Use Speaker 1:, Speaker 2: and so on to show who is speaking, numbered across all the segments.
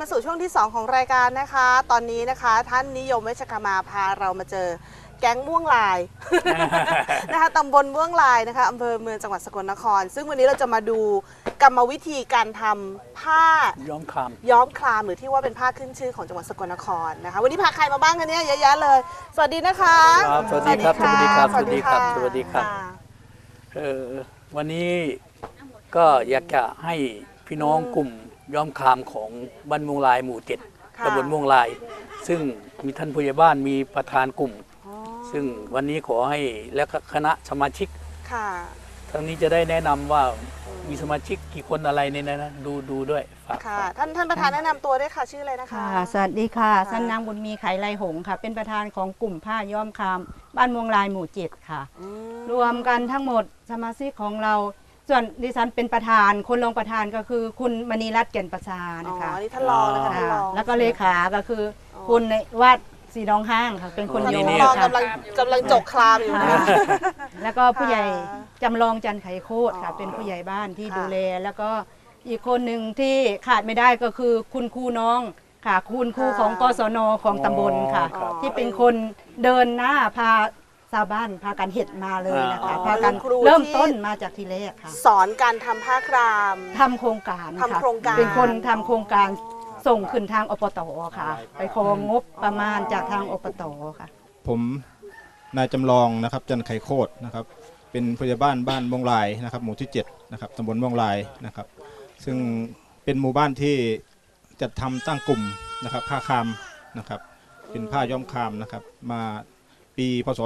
Speaker 1: สู่ช่วงที่ 2 ของรายการนะคะตอนนี้นะคะท่านนิยมเวชกรรมาพาเรามาเจอแก๊งม่วงลาย นะคะตำบลม่วงลายนะคะอำเภอเมืองจังหวัดสกลนครซึ่งวันนี้เราจะมาดูกรรมวิธีการทำผ้า
Speaker 2: ย้อมคาม
Speaker 1: หรือที่ว่าเป็นผ้าขึ้นชื่อของจังหวัดสกลนครนะคะวันนี้พาใครมาบ้างคะเนี่ยเยอะแยะเลยสวัสดีนะคะ
Speaker 2: สวัสดีครับสวัสดีครับสวัสดีครับสวัสดีครับวันนี้ก็อยากจะให้พี่น้องกลุ่มย้อมคามของบ้านม่วงลายหมู่ 7ตำบลม่วงลายซึ่งมีท่านผู้ใหญ่บ้านมีประธานกลุ่มซึ่งวันนี้ขอให้และคณะสมาชิกทั้งนี้จะได้แนะนำว่ามีสมาชิกกี่คนอะไรในนั้นนะดูด้วยฝาก
Speaker 1: ค่ะท่านประธานแนะนำตัวด้วยค่ะชื่ออะไรนะคะ
Speaker 3: สวัสดีค่ะท่านนางบุญมีไขไรหงค่ะเป็นประธานของกลุ่มผ้าย้อมคามบ้านม่วงลายหมู่ 7ค่ะรวมกันทั้งหมดสมาชิกของเราส่วนดิฉันเป็นประธานคนรองประธานก็คือคุณมณีรัตน์แก่นประชานะคะ
Speaker 1: นี่ท่านรองนะคะท่านรอง
Speaker 3: แล้วก็เลขาก็คือคุณวาดสีน้องห้างค่ะเป็นคนโยน
Speaker 1: ค่ะกำลังจกคลามอยู่นะ
Speaker 3: แล้วก็ผู้ใหญ่จำลองจันไขโคตรค่ะเป็นผู้ใหญ่บ้านที่ดูแลแล้วก็อีกคนหนึ่งที่ขาดไม่ได้ก็คือคุณครูน้องค่ะคุณครูของกศนของตำบลค่ะที่เป็นคนเดินหน้าพาชาวบ้านพากันเห็ดมาเลยนะคะพากันเริ่มต้นมาจากทีแรกค่ะ
Speaker 1: สอนการทำผ้าคราม
Speaker 3: ทำโครงการค่ะ
Speaker 1: ทำโครงการ
Speaker 3: เป็นคนทำโครงการส่งขึ้นทางอบต.ค่ะไปของงบประมาณจากทางอบต.ค่ะ
Speaker 4: ผมนายจำลองนะครับจันไขโคตรนะครับเป็นผู้ใหญ่บ้านม่วงลายนะครับหมู่ที่7นะครับตำบลม่วงลายนะครับซึ่งเป็นหมู่บ้านที่จัดทำตั้งกลุ่มนะครับผ้าคามนะครับเป็นผ้าย้อมคามนะครับมาปีพศ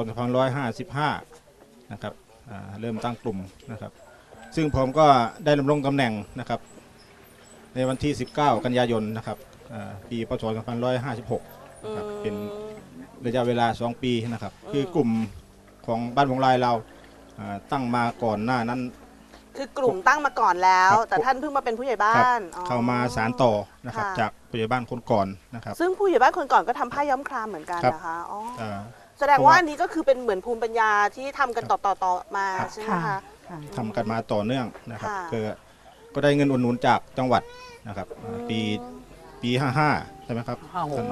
Speaker 4: 2555นะครับเริ่มตั้งกลุ่มนะครับซึ่งผมก็ได้ดำรงตำแหน่งนะครับในวันที่19กันยายนนะครับปีพศ2556นะครับเป็นระยะเวลา2 ปีนะครับคือกลุ่มของบ้านม่วงลายเราตั้งมาก่อนหน้านั้น
Speaker 1: คือกลุ่มตั้งมาก่อนแล้วแต่ท่านเพิ่งมาเป็นผู้ใหญ่บ้าน
Speaker 4: เข้ามาสานต่อนะครับจากผู้ใหญ่บ้านคนก่อนนะครับ
Speaker 1: ซึ่งผู้ใหญ่บ้านคนก่อนก็ทำผ้าย้อมครามเหมือนกันนะคะแสดงว่าอันนี้ก็คือเป็นเหมือนภูมิปัญญาที่ทำกันต่อมาใช่ไหมคะ
Speaker 4: ทำกันมาต่อเนื่องนะครับก็ได้เงินอุดหนุนจากจังหวัดนะครับปี55ใช่ไหมครับ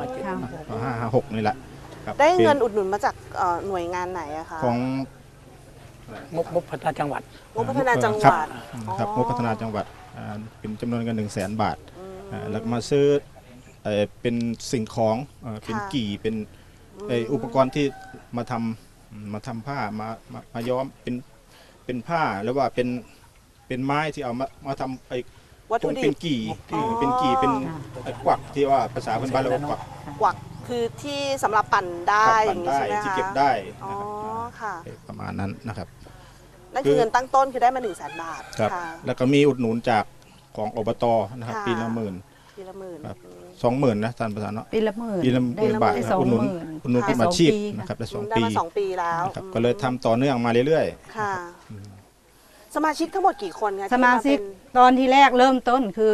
Speaker 4: 56นี่แหละ
Speaker 1: ได้เงินอุดหนุนมาจากหน่วยงานไหนอะคะ
Speaker 4: ของ
Speaker 2: งบพัฒนาจังหวัด
Speaker 1: งบพัฒนาจังหวัด
Speaker 4: ครับงบพัฒนาจังหวัดเป็นจำนวนเงิน100,000 บาทแล้วมาซื้อเป็นสิ่งของเป็นกี่เป็นอุปกรณ์ที่มาทำผ้ามาย้อมเป็นผ้าหรือว่าเป็นไม้ที่เอามาทำ
Speaker 1: วัตถุดิบ
Speaker 4: เป็นกี่เป็นกวักที่ว่าภาษาพื้นบ้านเรา
Speaker 1: กวักคือที่สำหรับปั่นได้อย่างนี้ใช่ไหมคะ
Speaker 4: ที่เก็บได้
Speaker 1: ค่ะ
Speaker 4: ประมาณนั้นนะครับ
Speaker 1: นั่นคือเงินตั้งต้นคือได้มา100,000 บาท
Speaker 4: ครับแล้วก็มีอุดหนุนจากของอบต.นะครับปีละ 10,000ครับ20,000นะท่านประธานเนาะ
Speaker 3: ปีละ10,000
Speaker 4: บาทอุดหนุนขึ้นมาชีพนะครับได้
Speaker 1: 2 ปีแล้ว
Speaker 4: ก็เลยทำต่อเนื่องมาเรื่อย
Speaker 1: ๆค่ะสมาชิกทั้งหมดกี่คนคะ
Speaker 3: สมาชิกตอนที่แรกเริ่มต้นคือ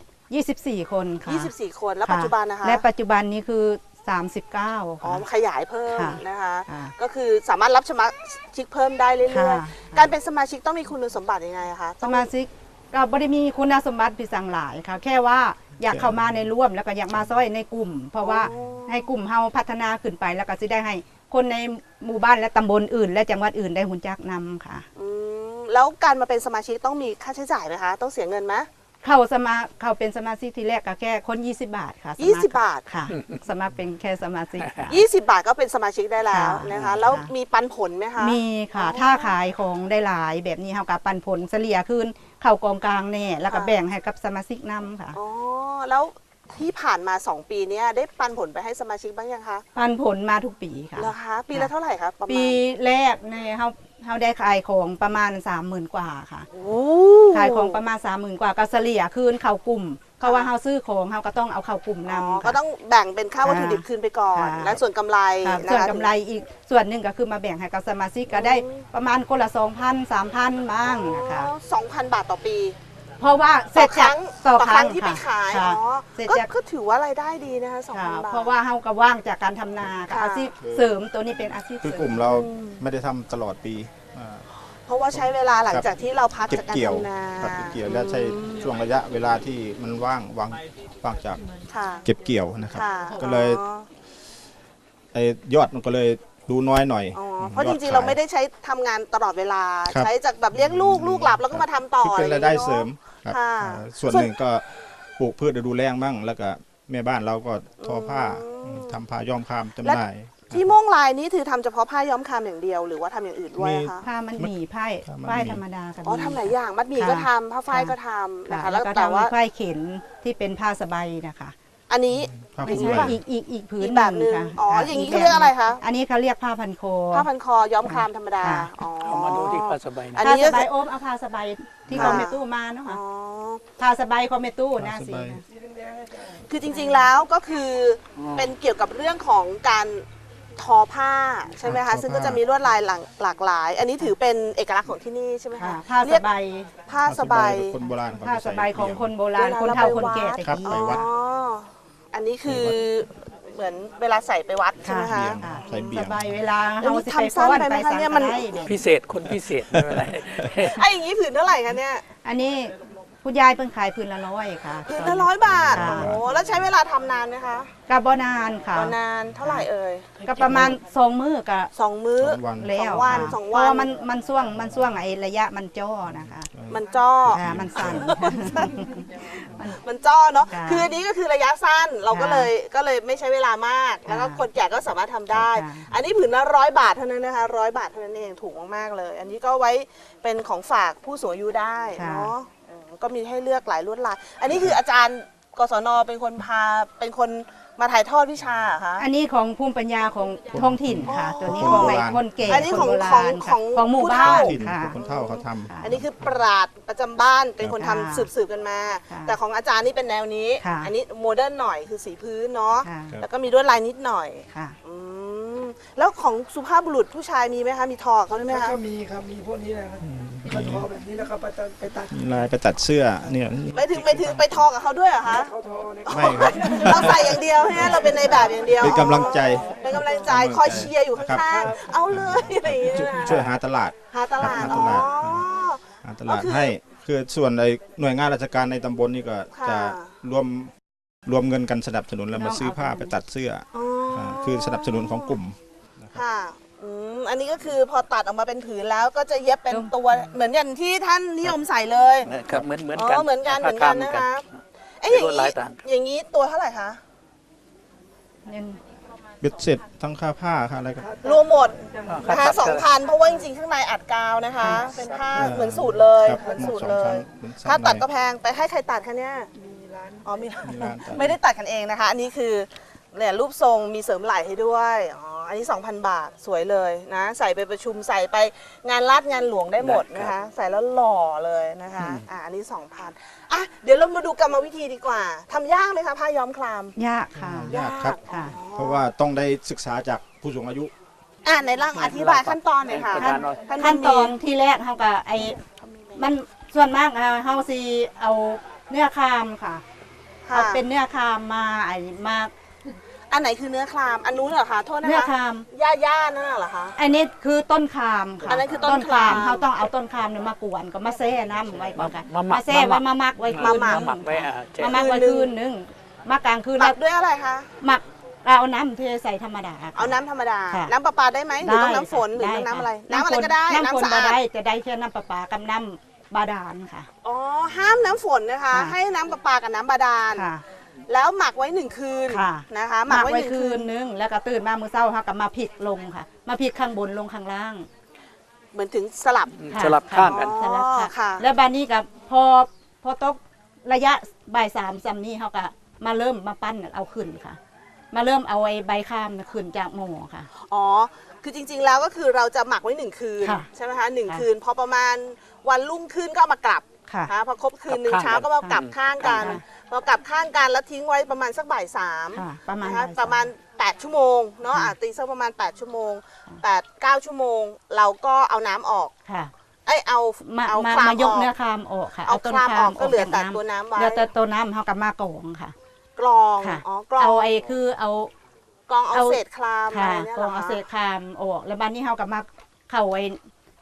Speaker 3: 24 คนค่ะ
Speaker 1: 24 คนแล้วปัจจุบันนะคะ
Speaker 3: และปัจจุบันนี้คือ39
Speaker 1: ขยายเพิ่มนะคะก็คือสามารถรับสมาชิกเพิ่มได้เรื่อยๆการเป็นสมาชิกต้องมีคุณสมบัติยังไงคะ
Speaker 3: สมาชิกเราไม่ได้มีคุณสมบัติพิเศษหลายค่ะแค่ว่าอยากเข้ามาในร่วมแล้วก็อยากมาซ้อยในกลุ่มเพราะว่าให้กลุ่มเฮาพัฒนาขึ้นไปแล้วก็จะได้ให้คนในหมู่บ้านและตำบลอื่นและจังหวัดอื่นได้หุ่นจักนำค่ะ
Speaker 1: แล้วการมาเป็นสมาชิกต้องมีค่าใช้จ่ายไหมคะต้องเสียเงินไหม
Speaker 3: เขาเป็นสมาชิกทีแรกก็แค่คน20 บาทค่ะ
Speaker 1: 20 บาท
Speaker 3: ค่ะสมัครเป็นแค่สมาชิก
Speaker 1: 20 บาทก็เป็นสมาชิกได้แล้วนะคะแล้วมีปันผลไหมคะ
Speaker 3: มีค่ะถ้าขายของได้หลายแบบนี้เขากับปันผลเฉลี่ยคืนเข้ากองกลางแน่แล้วก็แบ่งให้กับสมาชิกนำค่ะ
Speaker 1: แล้วที่ผ่านมา2 ปีนี้ได้ปันผลไปให้สมาชิกบ้างยังคะ
Speaker 3: ปันผลมาทุกปีค่ะ
Speaker 1: เหรอคะปีละเท่าไหร่คะประมาณ
Speaker 3: ปีแรกในเขาได้ขายของประมาณ30,000 กว่าค่ะขายของประมาณ30,000 กว่าก็เฉลี่ยคืนเข้ากลุ่มเพราะว่าเขาซื้อของเขาก็ต้องเอาเข้ากลุ่มนำ
Speaker 1: ก็ต้องแบ่งเป็นค่าวัตถุดิบคืนไปก่อนและส่วนกำไร
Speaker 3: ส่วนกำไรอีกส่วนหนึ่งก็คือมาแบ่งให้กับสมาชิกก็ได้ประมาณคนละ 2,000 3,000 บ้างนะคะ
Speaker 1: 2,000 บาทต่อปี
Speaker 3: เพราะว่าเสร็จจาก
Speaker 1: ต่อครั้งที่ไปขายก็ถือว่ารายได้ดีนะคะ2,000 บาท
Speaker 3: เพราะว่าเขาก็ว่างจากการทำนาอาชีพเสริมตัวนี้เป็นอาชีพ
Speaker 4: คือกลุ่มเราไม่ได้ทำตลอดปี
Speaker 1: เพราะว่าใช้เวลาหลังจากที่เราพัก
Speaker 4: เก็บ
Speaker 1: จากการ
Speaker 4: เกี่ยว
Speaker 1: ทำนา
Speaker 4: ครับเก็บเกี่ยวและใช้ช่วงระยะเวลาที่มันว่างจาก
Speaker 1: ค่ะ
Speaker 4: เก็บเกี่ยวนะครับ
Speaker 1: ค่ะ
Speaker 4: ก็เลย
Speaker 1: อ๋อ
Speaker 4: ไอ้ยอดมันก็เลยดูน้อยหน่อย
Speaker 1: อ๋อเพราะจ
Speaker 4: ยอ
Speaker 1: ริงๆ
Speaker 4: ขย
Speaker 1: เราไม่ได้ใช้ทำงานตลอดเวลา
Speaker 4: ครับ
Speaker 1: ใช้จากแบบเลี้ยงลูกหลับแล้วก็มาทำต่อ
Speaker 4: คือเป็นรายได้เสริม
Speaker 1: อะ
Speaker 4: ครับ
Speaker 1: ค่ะ
Speaker 4: ส่วนหนึ่งก็ปลูกพืชฤดูแล้งมั่งแล้วก็แม่บ้านเราก็ทอผ้าทำผ้าย้อมคามจำหน่าย
Speaker 1: ที่ม่วงลายนี่คือทำเฉพาะผ้าย้อมคามอย่างเดียวหรือว่าทำอย่างอื่นด้วยอะคะ
Speaker 3: ผ้ามันหมี่ไพ่
Speaker 4: ผ้ามันหมี่
Speaker 3: ไพ่ธรรมดากับ
Speaker 1: อ๋อทำหลายอย่างมัดหมี่ก็ทำผ้าฝ้ายก็ทำนะคะ
Speaker 3: ค่ะ
Speaker 1: แล้
Speaker 3: แล้ว วก็
Speaker 1: แต่ว่า
Speaker 3: ทำไพ่เข็นที่เป็นผ้าสบายนะคะ
Speaker 1: อันนี้
Speaker 4: ผ้า
Speaker 1: ไม่
Speaker 4: คลุม
Speaker 1: ใช่
Speaker 4: ไหล่
Speaker 3: อีกผืน
Speaker 1: อีกแบบหนึ่ง
Speaker 3: ค่ะ
Speaker 1: อ๋อ
Speaker 3: ค่ะ
Speaker 1: อย่างนี้
Speaker 3: ก
Speaker 1: เขาเรียกอะไรคะ
Speaker 3: อันนี้เขาเรียกผ้าพันคอ
Speaker 1: ผ้าพันคอย้อมคามธรรมดา
Speaker 3: ค่ะ
Speaker 1: อ๋อ
Speaker 2: เอามาดูที่ผ้าสบาย
Speaker 1: อัน
Speaker 2: นะ
Speaker 1: นี้
Speaker 3: ผ้า
Speaker 1: ก็
Speaker 3: สบายโอมเอาผ้าสบายที่
Speaker 1: ค่ะ
Speaker 3: คอมเมตู้มาเนาะ
Speaker 1: อ๋
Speaker 3: ค่ะ
Speaker 1: อ
Speaker 3: ผ้าสบายคอมเมตู้นะ
Speaker 4: ผ้าส
Speaker 3: สิ
Speaker 4: บาย
Speaker 1: คือจริงๆแล้วก็คือเป็นเกี่ยวกับเรื่องของการทอผ้าใช่ไหม
Speaker 4: ครั
Speaker 1: คะ
Speaker 4: บ
Speaker 1: ซึ่งก็จะมีลวดลายหลากหลาย อันนี้ถือเป็นเอกลักษณ์ของที่นี่ใช่ไหม
Speaker 3: ค่ะ
Speaker 1: คะ
Speaker 3: ผ้า
Speaker 1: เรี
Speaker 3: ส
Speaker 1: ยก
Speaker 3: บาย
Speaker 1: ผ้าสบาย
Speaker 4: คนโบราณเข
Speaker 3: ผ้า
Speaker 4: จะ
Speaker 3: ส
Speaker 4: ใส่
Speaker 3: บายของคนโบราณ
Speaker 1: เวลา
Speaker 3: คนเฒ่า
Speaker 1: เราไป
Speaker 3: คนแก่
Speaker 1: วัด
Speaker 3: ตะ
Speaker 4: ครับ
Speaker 3: กี้
Speaker 4: ไปวัด
Speaker 1: อ๋ออันนี้คือเหมือนเวลาใส่ไปวัดใช่ไหมคะ
Speaker 4: เบี่ยง
Speaker 3: ค่ะ
Speaker 4: ใส่เบี่ยง
Speaker 3: สบายเวลา
Speaker 1: อันนี้
Speaker 3: เฮาสิ
Speaker 1: ทำสั้นไปไหมคะเนี่ยมัน
Speaker 3: ได้เนี่ย
Speaker 2: พิเศษคนพิเศษไม่เป็นไร
Speaker 1: ไอ้อย่างนี้ผืนเท่าไหร่คะเนี่ย
Speaker 3: อันนี้คุณยายเพิ่งขายผืนละ100ค่ะ
Speaker 1: ผืนละ100 บาท
Speaker 3: ค่ะ
Speaker 1: โอ้โหแล้วใช้เวลาทำนานไหมคะ
Speaker 3: กับบนานค่ะ
Speaker 1: นานเท่าไหร่เอ่ย
Speaker 3: ก็ประมาณ2 มื้อกับ
Speaker 1: 2 มื้อ
Speaker 4: 2 วัน
Speaker 3: แล้ว
Speaker 1: สองวัน
Speaker 3: ค่ะ
Speaker 1: สอง
Speaker 3: เพ
Speaker 1: วัน
Speaker 3: ราะว่ามันช่วงไอ้ระยะมันจ้อนะคะ
Speaker 1: มันจ้อ
Speaker 3: มันสั่น
Speaker 1: มันจ้อเนาะ
Speaker 3: ค่ะ
Speaker 1: คืออันนี้ก็คือระยะสั้นเราก็
Speaker 3: ค่ะ
Speaker 1: เลยไม่ใช้เวลามาก แล้วก็
Speaker 3: ค่ะ
Speaker 1: คนแก่ก็สามารถทำได้
Speaker 3: ค่ะ
Speaker 1: อันนี้ผืนละ100 บาทเท่านั้นนะคะ100 บาทเท่านั้นเองถูกมากๆเลย อันนี้ก็ไว้เป็นของฝากผู้สูงอายุได้เนาะก็มีให้เลือกหลายลวดลายอันนี้คืออาจารย์กศนเป็นคนมาถ่ายทอดวิชาเหรอคะ
Speaker 3: อันนี้ของภูมิปัญญาของท้องถิ่นค่ะ ตัวนี้
Speaker 4: คน
Speaker 3: ของ
Speaker 4: โบ
Speaker 3: ไอ้
Speaker 4: ราณ
Speaker 3: คนแก่
Speaker 1: อันนี้
Speaker 3: คนโบราณ
Speaker 1: ของ
Speaker 3: ค่ะของหมู่
Speaker 1: ผู้
Speaker 3: บ้า
Speaker 1: เฒ่า
Speaker 3: น
Speaker 4: ถิ่น
Speaker 3: ค่ะ
Speaker 4: คนเฒ่าเขาทำ
Speaker 1: อันนี้คือปราดประจำบ้านเป็นคนทำ
Speaker 3: ค่ะ
Speaker 1: สืบกันมา
Speaker 3: ค่ะ
Speaker 1: แต่ของอาจารย์นี่เป็นแนวนี้
Speaker 3: ค่ะ
Speaker 1: อันนี้โมเดิร์นหน่อยคือสีพื้นเนาะ
Speaker 3: ค่ะ
Speaker 1: แล้วก็มีลวดลายนิดหน่อย
Speaker 3: ค่ะ
Speaker 1: อืมแล้วของสุภาพบุรุษผู้ชายมีไหมคะมีทอเขาได้ไหมคะ
Speaker 5: ก็มีครับ มีพวกนี้นะครับก็ทอแบบนี้แล้วก็ไปตัด
Speaker 4: มีลายไปตัดเสื้อเนี่ย
Speaker 1: ไม่ถึงไปทอกับเขาด้วยเหรอคะ
Speaker 5: เขาทอเนี่ย
Speaker 4: ไม่ครับ
Speaker 1: เราใส่อย่างเดียวใช่ไหมเราเป็นในแบบอย่างเดียว
Speaker 4: เป็นกำลังใจ
Speaker 1: เป็นกำลังใจคอยเชียร์อยู่
Speaker 4: ครั
Speaker 1: ข้าง
Speaker 4: บ
Speaker 1: ๆเอาเลยอะไรอย่างเงี้ยนะ
Speaker 4: ช่วยหาตลาด
Speaker 1: หาตลาด
Speaker 4: หา
Speaker 1: อ๋
Speaker 4: ต
Speaker 1: อ
Speaker 4: ลาด หาตลาด
Speaker 1: ก็คือ
Speaker 4: ให้คือส่วนในหน่วยงานราชการในตำบลนี่ก็
Speaker 1: ค่ะ
Speaker 4: จะรวมเงินกันสนับสนุนแล้วมาซื้อผ้าไปตัดเสื้อ
Speaker 1: อ๋ออ
Speaker 4: คือสนับสนุนของกลุ่ม
Speaker 1: ค่ะอันนี้ก็คือพอตัดออกมาเป็นผืนแล้วก็จะเย็บเป็นตัวเหมือนอย่างที่ท่านนิยมใส่เลย
Speaker 2: นะครับเหมือน
Speaker 1: อ๋
Speaker 2: กัน
Speaker 1: อเหมือนกัน
Speaker 2: ผ้า
Speaker 1: นะคะเอ้ย
Speaker 2: เป็
Speaker 1: อน ย่าง
Speaker 2: ลวดลา
Speaker 1: นี้
Speaker 2: ยต่าง
Speaker 1: อย่างนี้ตัวเท่าไหร่คะ
Speaker 4: เบ็ดเสร็จทั้งค่าผ้าค่าอะไรก็
Speaker 1: รวมหมด
Speaker 2: ค่า
Speaker 1: นะคะ
Speaker 2: ตัด
Speaker 1: 2,000เพราะว่าจริงๆข้างในอัดกาวนะคะ เป็นผ้าเหมือนสูตรเลย
Speaker 4: ครับ
Speaker 1: เหมือนสูตรเลย
Speaker 4: เป็นสองชั้น
Speaker 1: ถ้าตัดก็แพงไปให้ใครตัดคะเนี่ยอ๋อมี
Speaker 4: มีร้านตัด
Speaker 1: ไม่ได้ตัดกันเองนะคะ อันนี้คือเนี่ยรูปทรงมีเสริมไหล่ให้ด้วยอ๋ออันนี้ 2,000 บาทสวยเลยนะใส่ไปประชุมใส่ไปงานราชงานหลวงได้หมดนะคะ ใส่แล้วหล่อเลยนะคะอันนี้ 2,000อ่ะเดี๋ยวเรามาดูกรรมวิธีดีกว่าทำยากไหมคะผ้าย้อมคลาม
Speaker 3: ยากค่ะ
Speaker 4: ยากครับ
Speaker 3: ค่ะ
Speaker 4: เพราะว่าต้องได้ศึกษาจากผู้สูงอายุ
Speaker 1: ในร่างอธิบายขั้นตอนหน่อยค่ะ
Speaker 3: ขั้นตอนที่แรกเขาก็ไอ้มันส่วนมากเขาสิเอาเนื้อคามค่ะ
Speaker 1: ค่ะ
Speaker 3: เอาเป็นเนื้อคามมาไอ้มา
Speaker 1: อันไหนคือเนื้อคลามอันนู้นเหรอคะโทษนะคะ
Speaker 3: เนื้อคาม
Speaker 1: ย่านั่นน่ะเหรอคะ
Speaker 3: อันนี้คือต้นคามค่ะ
Speaker 1: อันนั้นคือต้นคาม
Speaker 3: เขาต้องเอาต้นคามเนี่ยมากวนก็มาแช่น้ำไว้ก่อนค่ะ
Speaker 2: มาหมัก
Speaker 3: แช่ไว้มาหมักไว้คืน
Speaker 1: มา
Speaker 3: นึง
Speaker 2: หมักไว้แจก
Speaker 3: มาหมักไว้คืนนึงมากลางคืน
Speaker 1: หมั
Speaker 3: แล้
Speaker 1: ก
Speaker 3: ว
Speaker 1: ด้วยอะไรคะ
Speaker 3: หมักเอาน้ำเทใส่ธรรมดาค่ะ
Speaker 1: เอาน้ำธรรมดา
Speaker 3: ค่ะ
Speaker 1: น้ำประปาได้ไหมหรือต้องน้ำฝนหรือ
Speaker 3: ด้
Speaker 1: ต้องน้ำอะไร
Speaker 3: ค่
Speaker 1: น้ำอะไรก็ได้
Speaker 3: น้ำฝน
Speaker 1: น้ำสะ
Speaker 3: บ่
Speaker 1: อา
Speaker 3: ได้
Speaker 1: ด
Speaker 3: จะได้แค่น้ำประปากับน้ำบาดาลค่ะ
Speaker 1: อ๋อห้ามน้ำฝนนะคะ
Speaker 3: ค่ะ
Speaker 1: ให้น้ำประปากับน้ำบาดาล
Speaker 3: ค่ะ
Speaker 1: แล้วหมักไว้1 คืน
Speaker 3: ค่ะ
Speaker 1: นะคะ
Speaker 3: หมักไว้
Speaker 1: 1
Speaker 3: คืนนึงแล้วก็ตื่นมามื้อเช้าค่ะก็มาพลิกลงค่ะ มาพลิกข้างบนลงข้างล่าง
Speaker 1: เหมือนถึงสลับ
Speaker 3: ค่ะ
Speaker 2: สลับข้างกัน
Speaker 1: อ๋อ
Speaker 3: สลับค่ะ
Speaker 1: ค่ะ
Speaker 3: แล้วบานนี้กับพอตกระยะบ่าย3ซ้ำนี้เขาก็มาเริ่มมาปั้นเอาขึ้นค่ะ มาเริ่มเอาไอ้ใบข้ามน่ะขึ้นจากหม้อค่ะ
Speaker 1: อ๋อคือจริงๆแล้วก็คือเราจะหมักไว้1 คืน
Speaker 3: ค่ะ
Speaker 1: ใช่ไหมคะหนึ่ง
Speaker 3: ค่ะ
Speaker 1: คืนพอประมาณวันรุ่งขึ้นก็เอามากลับ
Speaker 3: ค่ะ
Speaker 1: นะพอครบคืนหนึ่ง
Speaker 2: กลับข้าง
Speaker 1: เช้าก็มากลับข้างกัน
Speaker 3: ค่ะ
Speaker 1: พอกลับข้างกันแล้วทิ้งไว้ประมาณสักบ่าย3
Speaker 3: ค่ะ ประมาณ
Speaker 1: นะคะ
Speaker 3: บ่ยส
Speaker 1: ประมาณ8 ชั่วโมงเนาะ
Speaker 3: ค่ะ
Speaker 1: ตีสักประมาณ8 ชั่วโมง8-9 ชั่วโมง เราก็เอาน้ำออก
Speaker 3: ค่ะ
Speaker 1: เอา
Speaker 3: มา
Speaker 1: เอา
Speaker 3: มา
Speaker 1: คลาม
Speaker 3: มาย
Speaker 1: อก อก
Speaker 3: เนื้อคามออกค่ะ
Speaker 1: เอา
Speaker 3: ต้น
Speaker 1: คลามออกก็เหลือ
Speaker 3: จาก
Speaker 1: แต่ตัวน้ำไว้
Speaker 3: เหลือแต่ตัวน้ำเขากับมากรองค่ะ
Speaker 1: กรอง
Speaker 3: ค่ะ
Speaker 1: อ๋อกรอง
Speaker 3: เอาไอ้คือเอา
Speaker 1: กรองเอา
Speaker 3: เอา
Speaker 1: เศษคลามอะ
Speaker 3: ค่ะ
Speaker 1: ไรเนี่ย
Speaker 3: ก
Speaker 1: เห
Speaker 3: ร
Speaker 1: ร
Speaker 3: อ
Speaker 1: อง
Speaker 3: เอา
Speaker 1: คะ
Speaker 3: เศษคามออกแล้วบ้านนี้เขากับมาเข้าไว้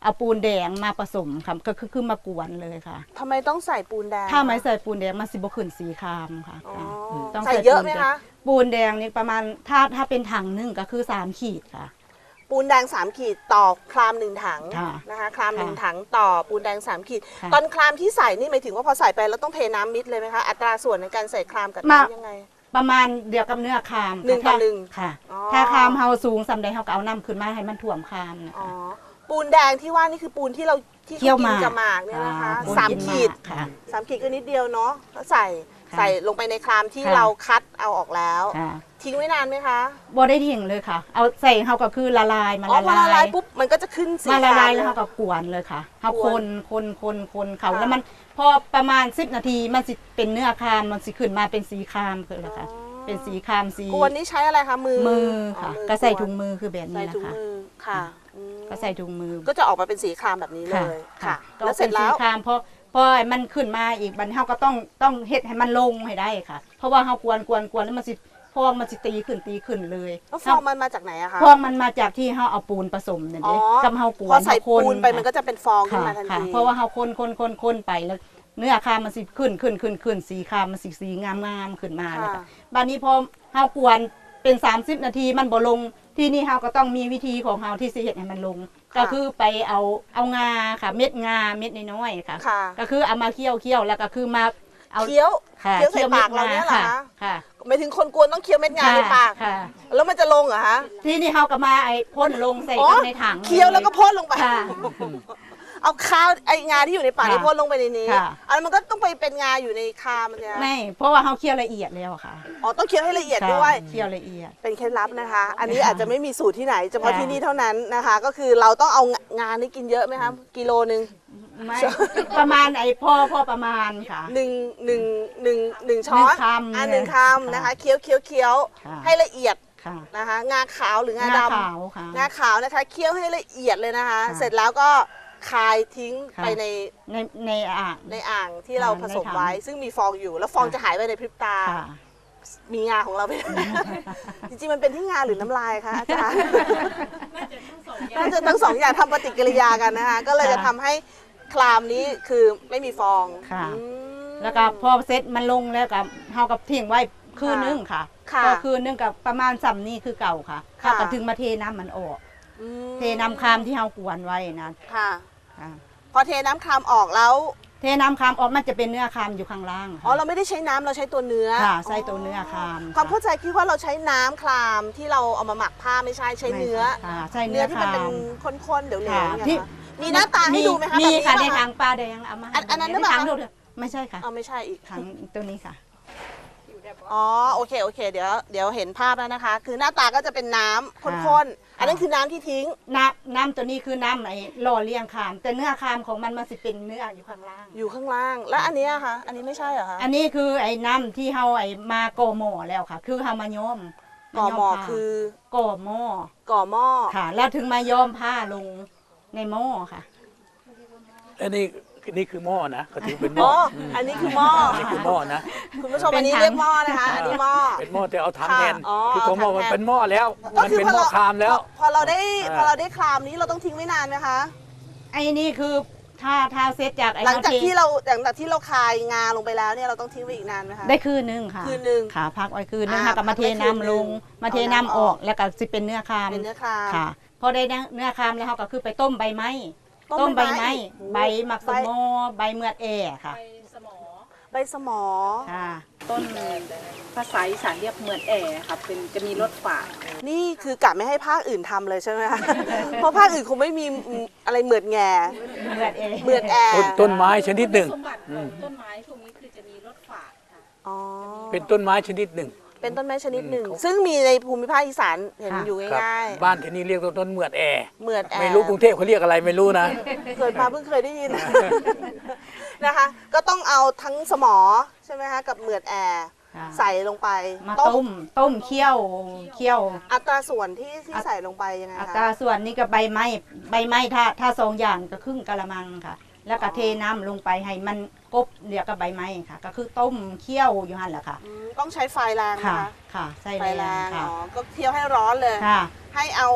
Speaker 3: เอาปูนแดงมาผสมค่ะก็คือมากวนเลยค่ะ
Speaker 1: ทำไมต้องใส่ปูนแดง
Speaker 3: ถ้าไม่ใส่ปูนแดงมันสิบ่ขึ้นสีครามค่ะ
Speaker 1: อ๋อ
Speaker 3: ต้อง
Speaker 1: ใส่เยอะไหมคะ
Speaker 3: ปูนแดงนี่ประมาณถ้าเป็นถังหนึงก็คือ3ขีดค่ะ
Speaker 1: ปูนแดง3ขีดต่อคราม1ถัง
Speaker 3: ค่ะ
Speaker 1: นะคะคราม
Speaker 3: ค่ะ
Speaker 1: 1ถังต่อปูนแดง3ขีด
Speaker 3: ค่ะ
Speaker 1: ตอนครามที่ใส่นี่หมายถึงว่าพอใส่ไปแล้วต้องเทน้ำมิดเลยไหมคะอัตราส่วนในการใส่ครามกับน้ำยังไง
Speaker 3: ประมาณเดียวกับเนื้อคาม
Speaker 1: หนึ่งต่อหนึ่ง
Speaker 3: ค่ะ
Speaker 1: อ๋อ
Speaker 3: ถ้าคามเฮาสูงสำใดเฮาก็เอาน้ำขึ้นมาให้มันท่วมคามนะ
Speaker 1: อ๋อ
Speaker 3: คะ
Speaker 1: ปูนแดงที่ว่านี่คือปูนที่เราที่
Speaker 3: เคี่ยว
Speaker 1: เขากิน
Speaker 3: หมาก
Speaker 1: กับหมากเนี่ยนะคะ
Speaker 3: ปูน
Speaker 1: สาม
Speaker 3: กิน
Speaker 1: ขีด
Speaker 3: หมากค่ะ
Speaker 1: 3 ขีดก็นิดเดียวเนาะแล้วใส่
Speaker 3: ค่ะ
Speaker 1: ใส่ลงไปในครามที่
Speaker 3: ค่ะ
Speaker 1: เราคัดเอาออกแล้ว
Speaker 3: ค่ะ
Speaker 1: ทิ้งไว้นานไหมคะ
Speaker 3: บ่ได้ทิ้งเลยค่ะ เอาใส่เฮาก็คือละลายมา
Speaker 1: อ๋อ
Speaker 3: ละ
Speaker 1: พอละลา
Speaker 3: ลาย ย
Speaker 1: ปุ๊บมันก็จะขึ้นสี
Speaker 3: มาละลาย
Speaker 1: ครม
Speaker 3: แล้วเฮาก็กวนเลยค่ะเฮาก
Speaker 1: วน
Speaker 3: คนเขา
Speaker 1: ค่ะ
Speaker 3: แล้วมันพอประมาณ10นาทีมันสิเป็นเนื้อคามมันสิขึ้นมาเป็นสีคามคือแล้วค่ะ เป็นสีคามสี
Speaker 1: กวนนี่ใช้อะไรคะมือ
Speaker 3: มือค่ะ
Speaker 1: มือ
Speaker 3: ก็ใส่
Speaker 1: วน
Speaker 3: ถุงมือคือแบบ
Speaker 1: ใส่
Speaker 3: นี้นะ
Speaker 1: ถุง
Speaker 3: คะ
Speaker 1: มือค่ะอืม
Speaker 3: ก็ใส่ถุงมือ
Speaker 1: ก็จะออกมาเป็นสีครามแบบนี้เลยค่ะ
Speaker 3: ก็
Speaker 1: แล้วเสร็จแล้ว
Speaker 3: ป็นสีครามพอมันขึ้นมาอีกบัดนี้เฮาก็ต้องเฮ็ดให้มันลงให้ได้ค่ะ เพราะว่าเฮากวนแล้วมันสิพองมันสิตีขึ้นเลย
Speaker 1: แล้วฟองมันมาจากไหนอะคะ
Speaker 3: พองมันมาจากที่เฮาเอาปูนผสมนั่น
Speaker 1: อ๋อ
Speaker 3: เด้กับเฮากวน
Speaker 1: พอใส่
Speaker 3: เฮา
Speaker 1: ปูนไปมันก็จะเป็นฟองขึ้น
Speaker 3: ค่ะ
Speaker 1: มาทัน
Speaker 3: ค่ะ
Speaker 1: ที
Speaker 3: เพราะว่าเฮาคนไปแล้วเนื้อคามมันสิขึ้นสีคามมันสิสีงามขึ้นมาแล้วค่ะบัดนี้พอเฮากวนเป็น30นาทีมันบ่ลงที่นี่เฮาก็ต้องมีวิธีของเฮาที่สิเฮ็ดให้มันลง ก็คือไปเอางาค่ะเม็ดงาเม็ดน้อยๆค่ะ
Speaker 1: ค่ะ
Speaker 3: ก็คือเอามาเคี่ยวแล้วก็คือมาเอา
Speaker 1: เคี้ยว
Speaker 3: ค่ะ
Speaker 1: เคี้ยวใส่ปากเราเนี่ยเหรอ
Speaker 3: ค่ะ
Speaker 1: คะ
Speaker 3: ค่ะ
Speaker 1: หมายถึงคนกวนต้องเคี้ยวเม็ดงาในปาก
Speaker 3: ค่ะ
Speaker 1: แล้วมันจะลงเหรอคะ
Speaker 3: ที่นี่เฮาก็มาพ่นลงใส่
Speaker 1: อ๋อ
Speaker 3: กับในถัง
Speaker 1: เคี้ยวแล้วก็พ่นลงไป
Speaker 3: ค่ะ
Speaker 1: เอาข้าวไองาที่อยู่ในปาก
Speaker 3: ค่ะ
Speaker 1: นี่พ่นลงไปในนี้
Speaker 3: ค่ะ
Speaker 1: อันนั้นมันก็ต้องไปเป็นงาอยู่ในคามเนี่ย
Speaker 3: ไม่เพราะว่าเฮาเคี่ยวละเอียดแล้วค่ะ
Speaker 1: อ๋อต้องเคี้ยวให้ละเอียดด้วย
Speaker 3: ค่ะเคี่ยวละเอียด
Speaker 1: เป็นเคล็ดลับนะคะ อันนี้อาจจะไม่มีสูตรที่ไหนเฉพาะ
Speaker 3: ค่ะ
Speaker 1: ที่นี่เท่านั้นนะคะ ก็คือเราต้องเอางานนี้กินเยอะไหมคะกิโลนึง
Speaker 3: ไม่ประมาณพ่อประมาณค่ะ
Speaker 1: หนึ่งช้อน
Speaker 3: หนึ่งคำ
Speaker 1: หนึ่งคำนะคะเคี้ยว
Speaker 3: ค่ะ
Speaker 1: ให้ละเอียด
Speaker 3: ค่ะ
Speaker 1: นะคะงาขาวหรืองา
Speaker 3: หน้า
Speaker 1: ดำ
Speaker 3: ขาวค่ะ
Speaker 1: งาขาวนะคะเคี้ยวให้ละเอียดเลยนะคะ
Speaker 3: ค่ะ
Speaker 1: เสร็จแล้วก็คายทิ้ง
Speaker 3: ค่ะ
Speaker 1: ไปใน
Speaker 3: ในอ่าง
Speaker 1: อ่างที่เราผสมไว้ ซึ่งมีฟองอยู่ แล้วฟอง
Speaker 3: ค่ะ
Speaker 1: จะหายไปในพริบตา
Speaker 3: ค่ะ
Speaker 1: มีงาของเราไป จริงๆมันเป็นที่งาหรือน้ำลายคะอาจารย์น่าจะทั้งสองอย่างทำปฏิกิริยากันนะคะ ก็เลยจะทำให้คลามนี้คือไม่มีฟอง
Speaker 3: ค่ะ
Speaker 1: อืม
Speaker 3: แล้วก็พอเซตมันลงแล้วกับเฮากับทิ้งไว้คืนนึงค่ะ
Speaker 1: ค่ะ
Speaker 3: พอคืนนึงกับประมาณซ้ำนี่คือเก่าค่ะ
Speaker 1: ค่ะ
Speaker 3: เฮาก็ถึงมาเทน้ำมันออก
Speaker 1: อืม
Speaker 3: เทน้ำคามที่เฮากวนไว้นะ
Speaker 1: ค่ะ
Speaker 3: ค่ะ
Speaker 1: พอเทน้ำคลามออกแล้ว
Speaker 3: เทน้ำคามออกมันจะเป็นเนื้อคามอยู่ข้างล่าง
Speaker 1: อ๋อเราไม่ได้ใช้น้ำเราใช้ตัวเนื้อ
Speaker 3: ค่ะใส่ตัวเนื้อคาม
Speaker 1: ความเข้าใจคิดว่าเราใช้น้ำคลามที่เราเอามาหมักผ้าไม่ใช่ใช้เนื้อ
Speaker 3: ค่ะใช่เนื้
Speaker 1: เนื้
Speaker 3: อ
Speaker 1: อที่มัน
Speaker 3: คา
Speaker 1: เป็น
Speaker 3: ม
Speaker 1: ข้นๆเดี๋ยวๆ
Speaker 3: ค่ะ
Speaker 1: เนี่ย
Speaker 3: ที่
Speaker 1: ค่ะมีหน้าตาให้ดูไหมคะ
Speaker 3: มี
Speaker 1: แบบนี้
Speaker 3: ค่ะ
Speaker 1: ป
Speaker 3: ใน
Speaker 1: คะ
Speaker 3: ถังปลาแดงเอามา
Speaker 1: อันนั้นหรือ
Speaker 3: ใน
Speaker 1: เปล่า
Speaker 3: ถัง
Speaker 1: คะ
Speaker 3: ดูดิไม่ใช่ค่ะ
Speaker 1: เอาไม่ใช่อีก
Speaker 3: ถังตัวนี้ค่ะ
Speaker 1: อ๋อโอเคเดี๋ยวเห็นภาพแล้วนะคะ คือหน้าตาก็จะเป็นน้ำ
Speaker 3: ค่ะ
Speaker 1: ข้นๆอันนั้นคือน้ำที่ทิ้ง
Speaker 3: น้ำตัวนี้คือน้ำไอ้หล่อเลี้ยงคาม แต่เนื้อคามของมันสิเป็นเนื้ออยู่ข้างล่าง
Speaker 1: อยู่ข้างล่าง แล้วอันเนี้ยคะอันนี้ไม่ใช่เหรอคะ
Speaker 3: อันนี้คือไอ้น้ำที่เฮาไอ้มาก่อหม้อแล้วค่ะ คือเฮามาย้อม
Speaker 1: ก่อหม้อ
Speaker 3: ผ้า
Speaker 1: คือ
Speaker 3: ก่อหม้อ
Speaker 1: ก่อหม้อ
Speaker 3: ค่ะ แล้วถึงมาย้อมผ้าลงในหม้อค่ะ
Speaker 2: อันนี้คือหม้อนะก็ถือเป็นห
Speaker 1: อ๋
Speaker 2: ม้
Speaker 1: อ
Speaker 2: อ
Speaker 1: อันนี้คือหม้อ
Speaker 2: อันนี้คือหม้อนะ
Speaker 1: คุณผู้ชม
Speaker 3: เป็น
Speaker 1: อันนี้
Speaker 3: ถัง
Speaker 1: เรียกหม้อนะคะ อันนี้หม้อ
Speaker 2: เป็นหม้อแต่เอาถัง
Speaker 1: ค่ะ
Speaker 2: แทน
Speaker 1: อ๋อ
Speaker 2: คือของหม้อ
Speaker 1: เอาถัง
Speaker 2: มัน
Speaker 1: แทน
Speaker 2: เป็นหม้อแล้ว
Speaker 1: ก็
Speaker 2: มัน
Speaker 1: คือ
Speaker 2: เป็น
Speaker 1: พอ
Speaker 2: หม้อ
Speaker 1: เรา
Speaker 2: คามแล้ว
Speaker 1: พอเราได้
Speaker 2: อ่า
Speaker 1: พอเราได้คลามนี้เราต้องทิ้งไว้นานไหมคะ
Speaker 3: ไอ้นี่คือถ้าเซตจากไอ้
Speaker 1: หลังจาก
Speaker 3: เท
Speaker 1: ที่เราคายงาลงไปแล้วเนี่ยเราต้องทิ้งไว้อีกนานไหมคะ
Speaker 3: ได้คืนนึงค่ะ
Speaker 1: คืนนึง
Speaker 3: ค่ะพักไว้คืนนึง
Speaker 1: อ่า
Speaker 3: ค่ะก็มาเท
Speaker 1: พักไว้คืน
Speaker 3: น้ำลง
Speaker 1: นึง
Speaker 3: มาเท
Speaker 1: เอา
Speaker 3: น้ำ
Speaker 1: น้ำ
Speaker 3: อ
Speaker 1: อ
Speaker 3: อ
Speaker 1: อก ก
Speaker 3: แล้วก็สิเป็นเนื้อคาม
Speaker 1: เป็นเนื้อคลาม
Speaker 3: ค่ะ พอได้เนื้อคามแล้วเขาก็คือไปต้มใบไม้ต้มใบไม้ใบหมักสมอใบเมือดแอค่ะ
Speaker 1: ใบสมอ
Speaker 3: ค่ะ
Speaker 6: ต้นภาษาอีสานเรียกเหมือนแอครับเป็นจะมีรสฝาด
Speaker 1: นี่คือกะไม่ให้ภาคอื่นทำเลยใช่ไหมคะ เพราะภาคอื่นคงไม่มีอะไรเหมือดแง่
Speaker 3: เมือดแอ
Speaker 1: เหมือดแอร์
Speaker 2: ต้นไม้ชนิดหนึ่ง
Speaker 6: สมบัติของต้นไม้พวกนี้คือจะมีรสฝาดค่ะ
Speaker 1: อ๋อ
Speaker 2: เป็นต้นไม้ชนิดหนึ่ง
Speaker 1: เป็นต้นไม้ชนิดหนึ่ง ซึ่งมีในภูมิภาคอีสานเห็นอยู่
Speaker 2: ครับ
Speaker 1: ง่าย
Speaker 2: บ้านที่นี่เรียกต้นเหมือดแอร์
Speaker 1: ๆเหมือดแอร์
Speaker 2: ไม่รู้กรุงเทพเขาเรียกอะไรไม่รู้นะ
Speaker 1: เกิดมาเพิ่งเคยได้ยิน นะคะ ก็ต้องเอาทั้งสมอใช่ไหมคะกับเหมือดแอร์
Speaker 3: ค่ะ
Speaker 1: ใส่ลงไป
Speaker 3: มาต้มเคี่ยว
Speaker 1: อัตราส่วนที่ใส่ลงไปยังไง
Speaker 3: อั
Speaker 1: คะ
Speaker 3: ตราส่วนนี้ก็ใบไม้ถ้าสองอย่างก็ครึ่งกะละมังค่ะ แล้วก็เทน้ำลงไปให้มันกบเรียกกับใบไม้ค่ะ ก็คือต้มเคี่ยวอยู่หั่นแหละค่ะ
Speaker 1: ต้องใช้ไฟแรงนะ
Speaker 3: ค่ะ
Speaker 1: คะ
Speaker 3: ค่ะใส่
Speaker 1: ไฟ
Speaker 3: แร
Speaker 1: แรง
Speaker 3: งค่ะ
Speaker 1: อ๋อก็เคี่ยวให้ร้อนเลย
Speaker 3: ค่ะ
Speaker 1: ให้เอา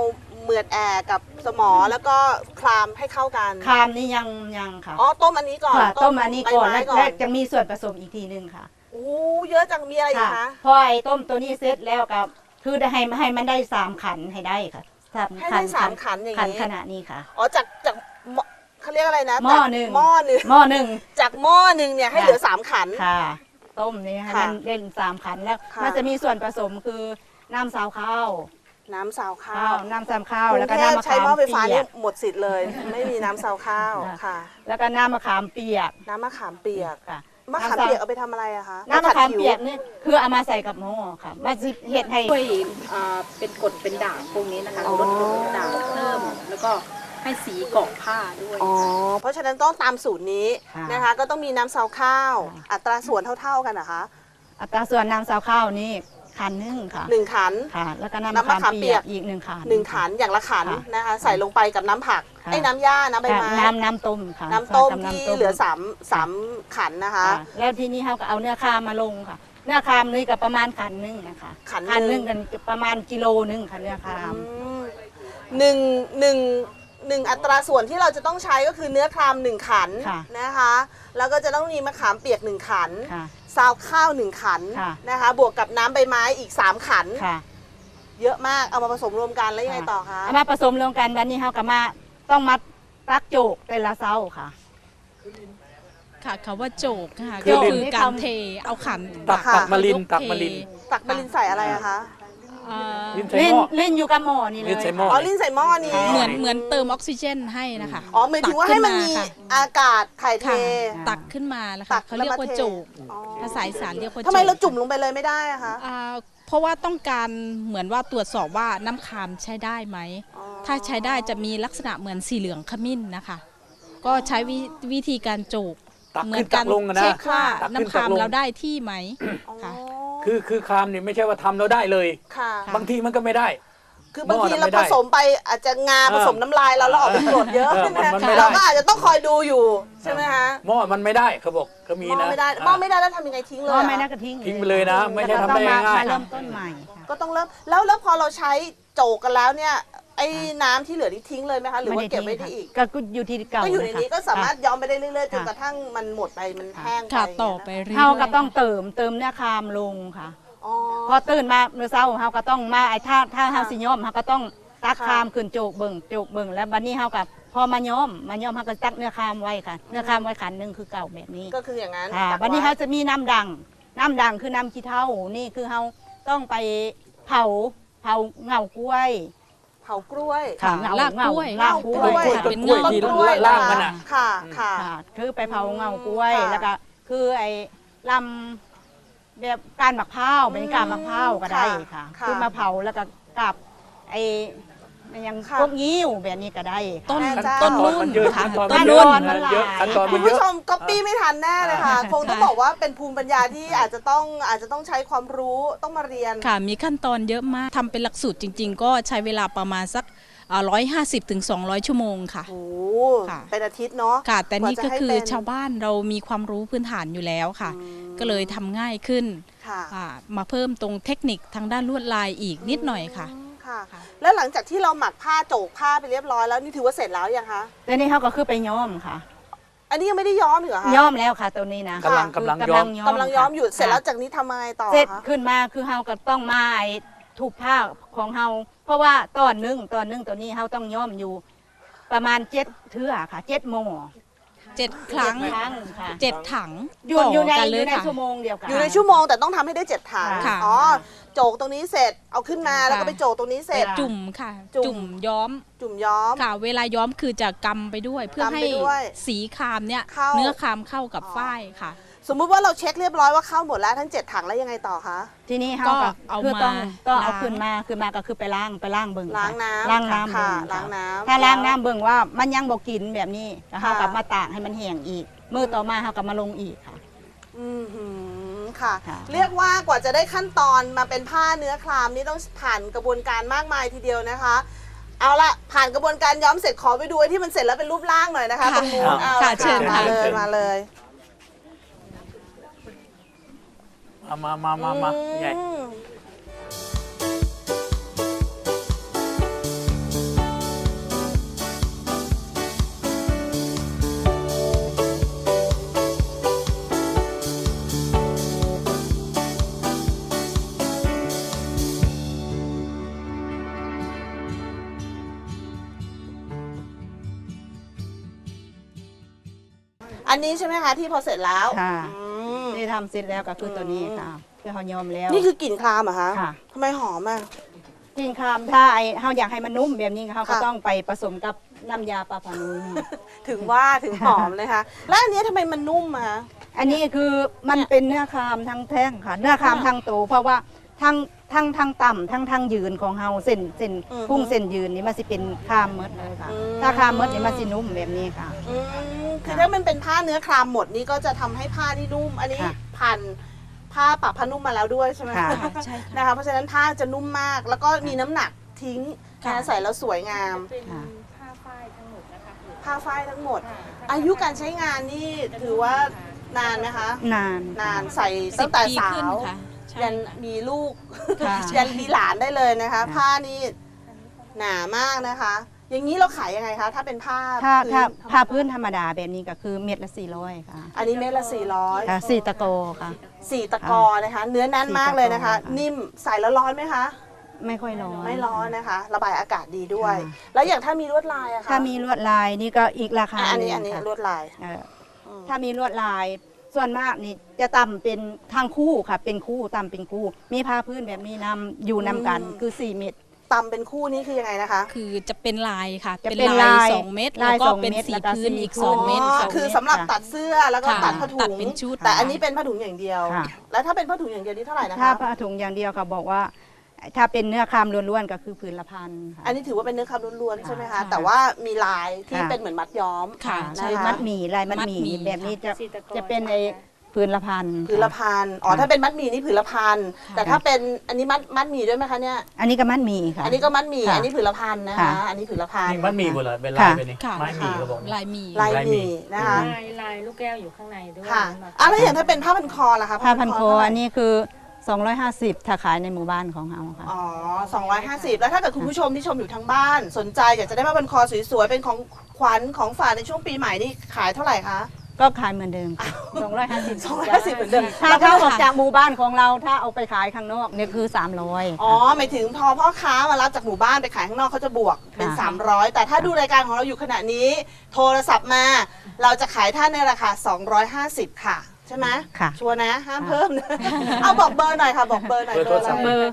Speaker 1: เหมือดแอกกับสมอแล้วก็คลามให้เข้ากัน
Speaker 3: คามนี่ยังค่ะ
Speaker 1: อ๋อต้มอันนี้ก่อน
Speaker 3: ค่ะต้มอันนี้ก่อน
Speaker 1: ใบไม้
Speaker 3: แล้วจะมีส่วนผสมอีกทีหนึงค่ะ
Speaker 1: โอ้เยอะจังมีอะไรอีกคะ
Speaker 3: พอไอ้ต้มตัวนี้เสร็จแล้วกับคือได้ให้มันได้3 ขันให้ได้ค่ะ
Speaker 1: ให้ได้สามขันอย่าง
Speaker 3: ขัน
Speaker 1: นี้
Speaker 3: ขนาดนี้ค่ะ
Speaker 1: อ๋อจากหม้อเขาเรียกอะไรนะ
Speaker 3: หม้อหนึ่ง
Speaker 1: หม้อหนึ่ง
Speaker 3: หม้อหนึ่ง
Speaker 1: จากหม้อหนึ่งเนี่ยให้เหลือ3ขัน
Speaker 3: ค่ะ ต้มนี่ให้
Speaker 1: ค่ะ
Speaker 3: มันได้3 ขันแล้ว
Speaker 1: ค่ะ
Speaker 3: มันจะมีส่วนผสมคือน้ำซาวข้าว
Speaker 1: น้ำซาวข้า
Speaker 3: ข้าว วน้ำซาวข้าว
Speaker 1: กรุ
Speaker 3: แล้ว
Speaker 1: ง
Speaker 3: ก็
Speaker 1: เทพ
Speaker 3: น้ำมะ
Speaker 1: ใช้
Speaker 3: ขาม
Speaker 1: หม้อไฟฟ้า
Speaker 3: เปี
Speaker 1: นี่
Speaker 3: ยก
Speaker 1: หมดสิทธิ์เลย ไม่มีน้ำซาวข้าวค่ะ
Speaker 3: แล้วก็น้ำมะขามเปียก
Speaker 1: น้ำมะขามเปียก
Speaker 3: ค่ะ
Speaker 1: มะขามเปียกเอาไปทำอะไรอะคะ
Speaker 3: น้ำมะขาม
Speaker 1: ผัดผิว
Speaker 3: เปียกนี่คือเอามาใส่กับหม้อค่ะมาสิเห็ดให้
Speaker 6: ช่วยเป็นกรดเป็นด่างพวกนี้นะคะลดกรดลดด่างเพิ่ม แล้วก็ให้สีเกาะผ้าด้วย
Speaker 1: อ๋อเพราะฉะนั้นต้องตามสูตรนี้
Speaker 3: ค่ะ
Speaker 1: นะคะ ก็ต้องมีน้ำซาวข้าว
Speaker 3: ค่ะ
Speaker 1: อัตราส่วนเท่าๆกันนะคะ
Speaker 3: อัตราส่วนน้ำซาวข้าวนี่ขันหนึงค่ะ
Speaker 1: 1 ขัน
Speaker 3: ค่ะ แล้วก็น้ำ
Speaker 1: น้ำมะ
Speaker 3: มะ
Speaker 1: ขา
Speaker 3: ขาม ม
Speaker 1: เปี
Speaker 3: เปี
Speaker 1: ย
Speaker 3: ย
Speaker 1: ก
Speaker 3: กอีก1 ขัน
Speaker 1: 1 ขันอย่างละขัน
Speaker 3: ค่ะ
Speaker 1: นะคะ ใส่ลงไปกับน้ำผัก
Speaker 3: ค่ะ
Speaker 1: ไอ้น้ำหญ้าน้ำใบ
Speaker 3: ค่ะ
Speaker 1: ไม้
Speaker 3: น้ำต้มค่ะ
Speaker 1: น้ำต้ม
Speaker 3: ใส่กับ
Speaker 1: ที่
Speaker 3: น้ำต้ม
Speaker 1: เหลือ3ขันนะคะ
Speaker 3: ค่ะแล้วทีนี้เขาก็เอาเนื้อคามมาลงค่ะ เนื้อคามนี่ก็ประมาณขันหนึงนะคะ
Speaker 1: ขันหนึ่ง
Speaker 3: กันประมาณกิโลนึงค่ะเนื้อคาม
Speaker 1: หนึ่งอัตราส่วนที่เราจะต้องใช้ก็คือเนื้อคราม1 ขัน
Speaker 3: ค่ะ
Speaker 1: นะคะ แล้วก็จะต้องมีมะขามเปียก1 ขัน
Speaker 3: ค่ะ
Speaker 1: ซาวข้าว1 ขัน
Speaker 3: ค่ะ
Speaker 1: นะคะ บวกกับน้ำใบไม้อีก3 ขัน
Speaker 3: ค่ะ
Speaker 1: เยอะมากเอามาผสมรวมกันแล้วยังไงต่อคะ
Speaker 3: เอามาผสมรวมกันวันนี้เขาก็มาต้องมัดตักโจกแต่ละเซาค่ะ
Speaker 7: ค่ะคำว่าโจกค่ะ
Speaker 2: คือ
Speaker 7: ก็
Speaker 2: ลิน
Speaker 7: คือการเทเอาขัน
Speaker 2: ตัก
Speaker 1: ค่ะ
Speaker 2: มาลิน
Speaker 7: ย
Speaker 2: ตักมาลิน
Speaker 1: ตักไปลินใส่อะไรอะคะ
Speaker 7: เอ่อ
Speaker 2: ลินใส่
Speaker 3: เล่
Speaker 2: ห
Speaker 3: น
Speaker 2: ม้อ
Speaker 3: เล่นอยู่กับหม้อนี่เลย
Speaker 2: เล่นใส่หม้
Speaker 1: อ๋อลินใส่หม้อนี้
Speaker 7: เหมือนเติมออกซิเจนให้นะคะ
Speaker 1: อ๋อหมายถึงว่าให้มันมี
Speaker 7: ตักขึ้
Speaker 1: อากาศถ่ายเท
Speaker 7: ค่ะตักขึ้นมาแล้ว
Speaker 1: ตั
Speaker 7: ค่ะ
Speaker 1: ก
Speaker 7: เขาเรียกว่า
Speaker 1: แล้วมาเท
Speaker 7: โจก
Speaker 1: อ๋อ
Speaker 7: ภาษาอีสานเรียกว่าโจก
Speaker 1: ทำไมเราจุ่มลงไปเลยไม่ได้อะคะ
Speaker 7: เพราะว่าต้องการเหมือนว่าตรวจสอบว่าน้ำคามใช้ได้ไหม
Speaker 1: อ๋อ
Speaker 7: ถ้าใช้ได้จะมีลักษณะเหมือนสีเหลืองขมิ้นนะคะ ก็ใช้วิธีการโจก
Speaker 2: ตัก
Speaker 7: เหมื
Speaker 2: ขึ้
Speaker 7: อน น
Speaker 2: ตั
Speaker 7: กั
Speaker 2: กลงอะนะ
Speaker 7: เช็คว่า
Speaker 2: ตักขึ้น
Speaker 7: น้ำคาม
Speaker 2: ตักลง
Speaker 7: เราได้ที่ไหมค่ะ
Speaker 2: คือคามเนี่ยไม่ใช่ว่าทำเราได้เลย
Speaker 1: ค่ะ
Speaker 2: บางทีมันก็ไม่ได้
Speaker 1: คือบางที
Speaker 2: หม้อ
Speaker 1: เรา
Speaker 2: น่ะไม่ได้
Speaker 1: ผสมไปอาจจะงาผสมน้ำลายเราแล้วออกเป็นกรดเยอะ
Speaker 2: มัน
Speaker 1: นะ
Speaker 2: ไม่ได้
Speaker 1: เราก็อาจจะต้องคอยดูอยู่ใช่ไหมคะ
Speaker 2: หม้อมันไม่ได้เขาบอกก็มี
Speaker 1: หม้อ
Speaker 2: นะ
Speaker 1: ไม่ได้หม้อไม่ได้แล้วทำยังไงทิ้ง
Speaker 3: ห
Speaker 1: เลย
Speaker 3: ม้อ
Speaker 1: อะ
Speaker 3: ไม่น่ากระทิ้ง
Speaker 2: ทิ้งไปเลยนะไม่ใช่ทำได้
Speaker 3: แล้วก็ต้อง
Speaker 2: ง่ายๆ
Speaker 3: มาเริ่มต้นใหม่ค่ะ
Speaker 1: ก็ต้องเริ่มแล้วพอเราใช้โจกกันแล้วเนี่ยไอ้น้ำที่เหลือนี่ทิ้งเลยไหมคะหรือว่าเก็บไว้ได้อีก
Speaker 3: ก็อยู่ที่เก่า
Speaker 1: ก็อยู่ในนี้
Speaker 3: ะคะ
Speaker 1: ก็สามารถย้อมไปได้เรื่อยๆจน
Speaker 3: ค่ะ
Speaker 1: กระทั่งมันหมดไปมันแห้งไป
Speaker 7: ค่ะ
Speaker 1: ย่าง
Speaker 7: ต่อ
Speaker 1: เงี้ย
Speaker 7: ไป
Speaker 1: นะ
Speaker 7: เรื่อยๆ
Speaker 3: เฮาก็ต้องเติมเนื้อคามลงค่ะ
Speaker 1: อ๋อ
Speaker 3: พอตื่นมาเมื่อเช้าเฮาก็ต้องมาไอ้ถ้าเฮาสิย้อมเฮาก็ต้องตัก
Speaker 1: ค่ะ
Speaker 3: คามขึ้นโจกเบิ่งแล้วบัดนี้เฮากับพอมาย้อมเฮาก็ตักเนื้อคามไว้ค่ะ เนื้อคามไว้ขันหนึงคือเก่าแบบนี้
Speaker 1: ก็คืออย่างนั้น
Speaker 3: ค่ะ
Speaker 1: ตัก
Speaker 3: บัดนี้
Speaker 1: ไ
Speaker 3: เฮาจะมีน้ำดังคือน้ำขี้เถ้านี่คือเฮาต้องไปเผาเงากล้วย
Speaker 1: เผากล้วย
Speaker 3: ค่ะ
Speaker 7: ลากกล้วย
Speaker 3: ลากกล้วย
Speaker 2: ต้นกล้วยที่
Speaker 1: ต้นกล้วย
Speaker 2: ล่างมันอ่ะ
Speaker 1: ค่ะค่ะ
Speaker 3: ค่ะคือไปเผาเงากล้วย
Speaker 1: ค่ะ
Speaker 3: แล้วก็คือไอ้ลำแบบการหมักเผาวเป็นการหมักเผาวก็ได้ค่ะ
Speaker 1: ค่ะ
Speaker 3: คือมาเผาแล้วก็กับไอ้มันยัง
Speaker 1: ค่ะ
Speaker 3: พวกงิ้วแบบนี้ก็ได้ค่ะ
Speaker 7: ต้น
Speaker 1: แม่เจ้า
Speaker 7: ต้น
Speaker 2: ขั้นตอน
Speaker 7: รุ่
Speaker 2: มัน นเยอะ
Speaker 7: ค่ะ
Speaker 2: ขั้นตอน
Speaker 3: ต้
Speaker 2: มัน
Speaker 3: น
Speaker 2: เยอะ
Speaker 3: มันหลาย
Speaker 2: ขั้นตอน
Speaker 1: คุ
Speaker 2: มั
Speaker 1: ณ
Speaker 2: นเย
Speaker 1: ผู้
Speaker 2: อะ
Speaker 1: ชมก๊อปปี้ไม่ทันแน่เลยค่ะ คงต้องบอกว่าเป็นภูมิปัญญาที่อาจจะต้องใช้ความรู้ต้องมาเรียน
Speaker 7: ค่ะมีขั้นตอนเยอะมากทำเป็นหลักสูตรจริง ๆ ก็ใช้เวลาประมาณสัก150 ถึง 200 ชั่วโมงค่ะ
Speaker 1: โอ้
Speaker 7: ค่ะ
Speaker 1: เป็นอาทิตย์เนาะ
Speaker 7: ค่ะ แต่นี่ก็คือ
Speaker 1: ว่าจะให้เป็น
Speaker 7: ชาวบ้านเรามีความรู้พื้นฐานอยู่แล้วค่ะ
Speaker 1: อืม
Speaker 7: ก็เลยทำง่ายขึ้น
Speaker 1: ค่ะ
Speaker 7: มาเพิ่มตรงเทคนิคทางด้านลวดลายอีกนิดหน่อยค่ะ
Speaker 1: ค่ะ
Speaker 7: ค่ะ
Speaker 1: แล้วหลังจากที่เราหมักผ้าโจกผ้าไปเรียบร้อยแล้วนี่ถือว่าเสร็จแล้วยังคะ
Speaker 3: แต่นี่เขาก็คือไปย้อมค่ะ
Speaker 1: อันนี้ยังไม่ได้ย้อมเหรอคะ
Speaker 3: ย้อมแล้วค่ะตัวนี้นะ
Speaker 2: กำลัง
Speaker 3: คือก
Speaker 2: ำลังย้อม
Speaker 1: กำลังย้อมอยู่
Speaker 3: ค่ะ
Speaker 1: เสร็จแล้วจากนี้ทำยังไงต่อ
Speaker 3: เสร็จ
Speaker 1: คะ
Speaker 3: ขึ้นมาคือเฮาก็ต้องมาไอ้ถูกผ้าของเฮาเพราะว่าตอนหนึงตัวนี้เฮาต้องย้อมอยู่ ประมาณ7เทื่อค่ะ7โมง
Speaker 7: 7 ครั้ง
Speaker 3: ครั้งค่ะ
Speaker 7: 7 ถัง
Speaker 3: อยู่ใน
Speaker 7: ต่กัน
Speaker 3: อ
Speaker 7: เล
Speaker 3: ยู่
Speaker 7: ย
Speaker 3: ใน
Speaker 7: ค่ะ
Speaker 3: ชั่วโมงเดียวกัน
Speaker 1: อยู่ในชั่วโมงแต่ต้องทำให้ได้7 ถัง
Speaker 3: ค่ะ
Speaker 1: อ๋อโจกตรงนี้เสร็จเอาขึ้นมาแล้วก็ไปโจกตรงนี้เสร็จ
Speaker 3: ค่ะ
Speaker 7: จุ่มค่ะ
Speaker 1: จุ่ม
Speaker 7: จุ่มย้อม
Speaker 1: จุ่มย้อม
Speaker 7: ค่ะ เวลาย้อมคือจะกำไปด้วย เพื่อก
Speaker 1: ำไป
Speaker 7: ให้
Speaker 1: ด้วย
Speaker 7: สีคามเนี่ย
Speaker 1: เข้า
Speaker 7: เนื้อคามเข้ากับ
Speaker 1: อ๋อ
Speaker 7: ฝ้ายค่ะ
Speaker 1: สมมุติว่าเราเช็คเรียบร้อยว่าเข้าหมดแล้วทั้ง7 ถังแล้วยังไงต่อคะ
Speaker 3: ทีนี้เฮา
Speaker 7: ก็
Speaker 3: ก็
Speaker 7: เอา
Speaker 3: คือต้อง
Speaker 7: มา
Speaker 3: ต้องเอา
Speaker 7: ล้าง
Speaker 3: ขึ้นมาก็คือไปล้างเบิ่ง
Speaker 1: ล้างน้ำ
Speaker 3: ล้างน้ำ
Speaker 1: ค่ะ
Speaker 3: เบิ่ง
Speaker 1: ล้างน้ำ
Speaker 3: ถ้าล้างน้ำเบิ่งว่ามันยังบ่กินแบบนี้แล้วเฮา
Speaker 1: ค่ะ
Speaker 3: กลับมาตากให้มันแห้งอีกมื้อต่อมาเฮากลับมาลงอีกค่ะ
Speaker 1: อือหือค่ะ
Speaker 3: ค่ะ
Speaker 1: เรียกว่ากว่าจะได้ขั้นตอนมาเป็นผ้าเนื้อคลามนี่ต้องผ่านกระบวนการมากมายทีเดียวนะคะ เอาละผ่านกระบวนการย้อมเสร็จขอไปดูไอ้ที่มันเสร็จแล้วเป็นรูปร่างหน่อยนะคะ
Speaker 7: ค่ะ
Speaker 1: ตรงนู้นเอา
Speaker 7: ค่ะ
Speaker 1: ละ
Speaker 7: เชิญ
Speaker 1: มา
Speaker 7: ค่ะ
Speaker 1: เลยมาเลย
Speaker 2: มาใหญ่
Speaker 1: อืมอันนี้ใช่ไหมคะที่พอเสร็จแล้ว
Speaker 3: ค่ะ
Speaker 1: อืม
Speaker 3: ที่ทำเสร็จแล้วก็คือตัวนี้ค่ะคือเขายอมแล้ว
Speaker 1: นี่คือกลิ่นครามเหรอคะ
Speaker 3: ค่ะ
Speaker 1: ทำไมหอมอ่ะ
Speaker 3: กินคามถ้าเขาอยากให้มันนุ่มแบบนี้เขาก็
Speaker 1: ค่ะ
Speaker 3: ต้องไปผสมกับน้ำยาปลาพานุ่ม
Speaker 1: ถึงว่าถึงหอมเลยค่ะ แล้วอันนี้ทำไมมันนุ่มอะคะ
Speaker 3: อันนี้คือมันเป็นเนื้อคามทั้งแท่งค่ะ เนื้อคามทั้งโตเพราะว่าทั้งต่ำทั้งยืนของเฮาเส้นพุ่งเส้นยืนนี่มันสิเป็นคามหมดเลยค่ะ ถ้าคามหมดนี่มันสินุ่มแบบนี้ค่ะ
Speaker 1: อืมคือถ้ามันเป็นผ้าเนื้อครามหมดนี่ก็จะทำให้ผ้าที่นุ่ม อันนี้
Speaker 3: ค่ะ
Speaker 1: พันผ้าปรับผ้านุ่มมาแล้วด้วยใช่ไหม
Speaker 3: ค่ะ
Speaker 7: ใช่ค่ะ
Speaker 1: นะคะเพราะฉะนั้นผ้าจะนุ่มมาก แล้วก็มีน้ำหนักทิ้ง
Speaker 7: ค่ะ
Speaker 1: นะใส่แล้วสวยงาม
Speaker 3: ค่ะ
Speaker 1: ผ้าฝ้ายทั้งหมด อายุการใช้งานนี่ถือว่านานไหมคะ
Speaker 3: นาน
Speaker 1: นานใส่ตั้งแต่
Speaker 7: 10 ปี
Speaker 1: สา
Speaker 7: ขึ้น
Speaker 1: ว
Speaker 7: ค่ะใช่
Speaker 1: ยันมีลูก
Speaker 3: ค่ะ
Speaker 1: ยันมีหลานได้เลยนะคะ ผ้านี่หนามากนะคะ อย่างนี้เราขายยังไงคะ ถ้าเป็นผ้า
Speaker 3: ถ้า
Speaker 1: พื้น
Speaker 3: ผ้าพื้นธรรมดาแบบนี้ก็คือเม็ดละ400ค่ะ
Speaker 1: อันนี้เม็ดละ 400
Speaker 3: ค่ะ4ตะโกค่ะ
Speaker 1: 4 ตะกอนะคะ เนื้อแน่นมากเลยนะคะ
Speaker 3: 4ตะกอค่ะ
Speaker 1: นิ่มใส่แล้วร้อนไหมคะ
Speaker 3: ไม่ค่อยร้อน
Speaker 1: ไม่ร้อนนะคะ ระบายอากาศดีด้วย
Speaker 3: ค่ะ
Speaker 1: แล้วอย่างถ้ามีลวดลายอะคะ
Speaker 3: ถ้ามีลวดลายนี่ก็อีกราคา
Speaker 1: อัน
Speaker 3: ห
Speaker 1: นี้
Speaker 3: ง
Speaker 1: อันนี้
Speaker 3: ค่ะ
Speaker 1: ลวดลาย
Speaker 3: เออถ้ามีลวดลายส่วนมากนี่จะต่ำเป็นทางคู่ค่ะ เป็นคู่ต่ำเป็นคู่ มีผ้าพื้นแบบนี้นำอยู่นำกันคือ4เม็ด
Speaker 1: ตำเป็นคู่นี้คือยังไงนะคะ
Speaker 7: คือจะเป็นลายค่ะ
Speaker 3: จะ
Speaker 7: เป็น
Speaker 3: เป็น
Speaker 7: ลา
Speaker 3: ลาย ย
Speaker 7: 2 เม็ด
Speaker 3: ลา
Speaker 7: แล้ว
Speaker 3: ย
Speaker 7: ก็
Speaker 3: 2
Speaker 7: เป็น
Speaker 3: เม็ด
Speaker 7: สี
Speaker 3: แล้วก็
Speaker 7: พื้น
Speaker 3: สี
Speaker 7: อีก
Speaker 3: พื้น
Speaker 7: 2 เม็ด
Speaker 1: อ๋อ
Speaker 7: สอง
Speaker 1: คือ
Speaker 7: เม็ด
Speaker 1: สำหรับ
Speaker 3: ค่ะ
Speaker 1: ตัดเสื้อแล้วก็
Speaker 7: ค่ะ
Speaker 1: ตัดผ้าถุ
Speaker 7: ตัด
Speaker 1: ง
Speaker 7: เป็นชุด
Speaker 1: แต่อันนี้เป็นผ้าถุงอย่างเดียว
Speaker 3: ค่ะ
Speaker 1: แล้วถ้าเป็นผ้าถุงอย่างเดียวนี่เท่าไหร่นะ
Speaker 3: ถ้า
Speaker 1: คะ
Speaker 3: ผ้าถุงอย่างเดียวค่ะบอกว่า ถ้าเป็นเนื้อคามล้วนๆก็คือผืนละพันค่ะ
Speaker 1: อันนี้ถือว่าเป็นเนื้อคำล้วนๆใช่ไหมคะ
Speaker 7: ค่ะ
Speaker 1: แต่ว่ามีลายที่
Speaker 3: ค่ะ
Speaker 1: เป็นเหมือนมัดย้อม
Speaker 7: ค่ะ
Speaker 3: ใช่
Speaker 1: นะคะ
Speaker 3: มัดหมี่ลายมัดหมี่
Speaker 7: มัดหมี่
Speaker 3: แบบนี้จะ
Speaker 6: สีตะกอน
Speaker 3: จะเป็นไอ้ผืนละพัน
Speaker 1: ผืนละพันอ๋อถ้าเป็นมัดหมี่นี่ผืนละพันแต่ถ้าเป็นอันนี้มัดหมี่ด้วยไหมคะเนี่ย
Speaker 3: อันนี้ก็มัดหมี่ค่ะ
Speaker 1: อันนี้ก็มัดหมี่
Speaker 3: ค่ะ
Speaker 1: อันนี้ผืนละพันนะคะ
Speaker 3: ค่ะ
Speaker 1: อันนี้ผืนละพัน
Speaker 2: นี่มันมีหมดเลยเป็นลาย
Speaker 3: ค่ะ
Speaker 2: ไปนี่
Speaker 7: ค่ะ
Speaker 2: ไม้มีก็บอก
Speaker 7: ลายหมี
Speaker 1: ลาย
Speaker 2: ลาย
Speaker 1: ห
Speaker 2: หมี่
Speaker 1: มี่นะคะ
Speaker 6: ลายลูกแก้วอยู่ข้างในด้วย
Speaker 1: ค่ะ
Speaker 6: มา
Speaker 1: อ่ะแล้วอย่างถ้าเป็นผ้าพันคอล่ะคะ
Speaker 3: ผ้าพันคอ
Speaker 1: เท่าไหร่
Speaker 3: อันนี้คือ 250ถ้าขายในหมู่บ้านของเราค่ะ
Speaker 1: อ๋อ250 แล้วถ้าเกิดคุณผู้ชมที่ชมอยู่ทางบ้าน สนใจอยากจะได้ผ้าพันคอสวยๆเป็นของขวัญของฝากในช่วงปีใหม่นี่ขายเท่าไหร่คะ
Speaker 3: ก็ขายเหมือนเดิมค่ะ250
Speaker 1: 250เหมือนเดิม
Speaker 3: ถ้าเข้าออกจากหมู่บ้านของเราถ้าเอาไปขายข้างนอกเนี่ยคือ300
Speaker 1: อ๋อหมายถึงพอพ่อค้ามารับจากหมู่บ้านไปขายข้างนอกเขาจะบวกเป็น
Speaker 3: ค่ะ
Speaker 1: 300 แต่ถ้าดูรายการของเราอยู่ขณะนี้ โทรศัพท์มา เราจะขายท่านในราคา 250 ค่ะ ใช่ไหม
Speaker 3: ค่ะ
Speaker 1: ชัวร์นะ ห้ามเพิ่มนะ เอาบอกเบอร์หน่อยค่ะ บอกเบอร์หน่อย
Speaker 2: เบอร์โทรศัพท์
Speaker 1: ะ
Speaker 3: เบ
Speaker 1: ไ
Speaker 3: อร์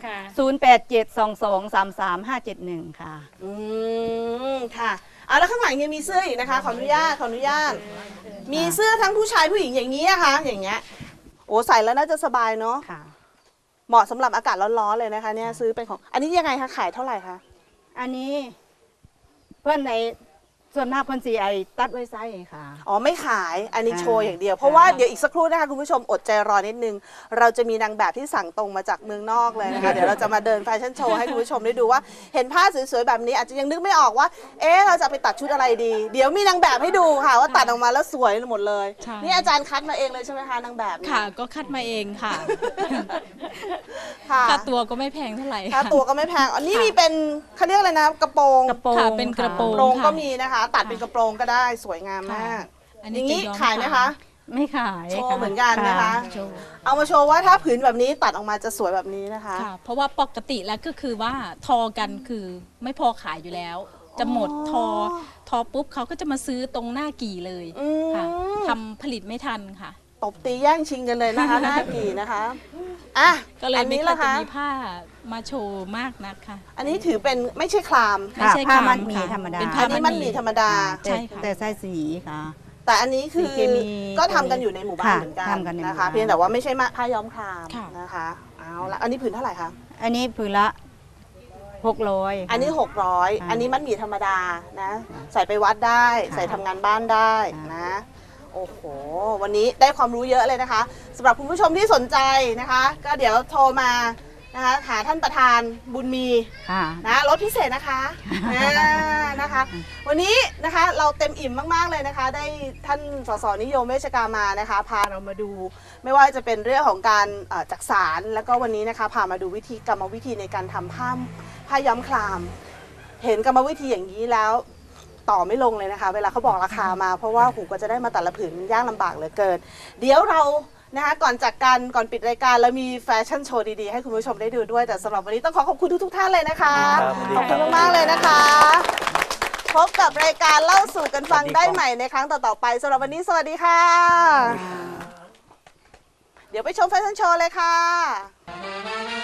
Speaker 3: 0872233571 ค่ะ
Speaker 1: อืมค่ะเอาแล้วข้างหลังยังมีเสื้ออีกนะคะ ขออนุญาตขออนุญาต มีเสื้อทั้งผู้ชายผู้หญิงอย่างนี้นะคะ อย่างเงี้ยโอ้ใส่แล้วน่าจะสบายเนาะ
Speaker 3: ค่ะ
Speaker 1: เหมาะสำหรับอากาศร้อนๆเลยนะคะเนี่ยซื้อเป็นของอันนี้ยังไงคะขายเท่าไหร่คะ
Speaker 3: อันนี้เพื่อนในส่วนมากเพื่อนสีไอตัดไว้ไส้ค่ะ
Speaker 1: อ๋อไม่ขายอันนี้
Speaker 3: อ่า
Speaker 1: โชว์อย่างเดียว เพราะว่าเดี๋ยวอีกสักครู่นะคะคุณผู้ชมอดใจรอนิดนึง เราจะมีนางแบบที่สั่งตรงมาจากเมืองนอกเลยนะคะ เดี๋ยวเราจะมาเดินแฟชั่นโชว์ให้คุณผู้ชมได้ดูว่าเห็นผ้าสวยๆแบบนี้อาจจะยังนึกไม่ออกว่า เอ๊ะเราจะไปตัดชุดอะไรดี เดี๋ยวมีนางแบบให้ดูค่ะว่าตัดออกมาแล้วสวยหมดเลย
Speaker 7: ใช่
Speaker 1: นี่อาจารย์คัดมาเองเลยใช่ไหมคะนางแบบเนี่ย
Speaker 7: ค่ะ ก็คัดมาเองค่ะ
Speaker 1: ค่ะ
Speaker 7: ค่าตัวก็ไม่แพงเท่าไหร่
Speaker 1: ค่าตัวก็ไม่แพงอันนี้มีเป็นเขาเรียกอะไรนะกระโปรง
Speaker 3: กระโปรง
Speaker 7: ค่ะเป็นกระโปร
Speaker 1: กระโปรง
Speaker 7: ค่ะ
Speaker 1: ก็มีนะคะ ตัดเป็นกระโปรงก็ได้สวยงามมาก
Speaker 7: อัน
Speaker 1: อ
Speaker 7: นี้
Speaker 1: ย่างนี้
Speaker 7: จะย้อม
Speaker 1: ขายไหมคะ
Speaker 3: ไม่ขาย
Speaker 1: โชว์
Speaker 3: ค่ะ
Speaker 1: เหมือนกันนะคะ
Speaker 7: โชว์
Speaker 1: เอามาโชว์ว่าถ้าผืนแบบนี้ตัดออกมาจะสวยแบบนี้นะคะ
Speaker 7: ค่ะ เพราะว่าปกติแล้วก็คือว่าทอกันคือไม่พอขายอยู่แล้ว จะหมดทอปุ๊บเขาก็จะมาซื้อตรงหน้ากี่เลย
Speaker 1: อืม
Speaker 7: ค่ะทำผลิตไม่ทันค่ะ
Speaker 1: ตบตีแย่งชิงกันเลยนะคะ หน้ากี่นะคะอ่ะ
Speaker 7: ก็เลย
Speaker 1: อัน
Speaker 7: ไม่
Speaker 1: นี้
Speaker 7: ค่อย
Speaker 1: ละ
Speaker 7: จะ
Speaker 1: คะ
Speaker 7: มีผ้ามาโชว์มากนักค่ะ
Speaker 1: อันนี้ถือเป็นไม่ใช่คลาม
Speaker 7: ไม่ใช่
Speaker 3: ผ้า
Speaker 7: คลาม
Speaker 3: มัดหมี่
Speaker 7: ค่ะ
Speaker 3: ธรรมดา
Speaker 7: เป็น
Speaker 1: อั
Speaker 7: ผ้าน
Speaker 1: นี้มันมีธรรมดา
Speaker 7: ใช่ค่ะ
Speaker 3: แต่ใส่สีค่ะ
Speaker 1: แต่อันนี้คือ
Speaker 3: สีเคมี
Speaker 1: ก็ทำกันอยู่ในหมู่บ้าน
Speaker 3: ค่ะ
Speaker 1: เหมือนกัน
Speaker 3: ทำกันในหมู่
Speaker 1: นะคะ
Speaker 3: บ้าน
Speaker 1: เพียงแต่ว่าไม่ใช่ผ้าย้อมคลาม
Speaker 7: ค่ะ
Speaker 1: นะคะเอาละอันนี้ผืนเท่าไหร่คะ
Speaker 3: อันนี้ผืนละ600
Speaker 1: อันนี้ 600
Speaker 3: ค่ะ
Speaker 1: อันนี้มันหมี่ธรรมดานะ ใส่ไปวัดได้
Speaker 3: ค่ะ
Speaker 1: ใส่ทำงานบ้านได้
Speaker 3: ค่ะ
Speaker 1: นะ โอ้โห วันนี้ได้ความรู้เยอะเลยนะคะสำหรับคุณผู้ชมที่สนใจนะคะ ก็เดี๋ยวโทรมานะคะหาท่านประธานบุญมี
Speaker 3: ค่ะ
Speaker 1: นะลดพิเศษนะคะนะคะ วันนี้นะคะเราเต็มอิ่มมากๆเลยนะคะ ได้ท่านสสนิยมเวชกามานะคะ พาเรามาดู ไม่ว่าจะเป็นเรื่องของการจักสารแล้วก็วันนี้นะคะพามาดูกรรมวิธีในการทำผ้าย้อมคลาม เห็นกรรมวิธีอย่างนี้แล้วต่อไม่ลงเลยนะคะ เวลาเขาบอกราคามา เพราะว่าหูก็จะได้มาแต่ละผืนยากลำบากเหลือเกิน เดี๋ยวเรานะคะก่อนจากกันก่อนปิดรายการแล้วมีแฟชั่นโชว์ดีๆให้คุณผู้ชมได้ดูด้วยแต่สำหรับวันนี้ต้องขอบคุณทุกๆท่านเลยนะคะ
Speaker 2: ครับ
Speaker 1: ขอบคุณมากๆเลยนะคะพบกับรายการเล่าสู่กันฟังได้ใหม่ในครั้งต่อๆไปสำหรับวันนี้สวัสดีค่ะ เดี๋ยวไปชมแฟชั่นโชว์เลยค่ะ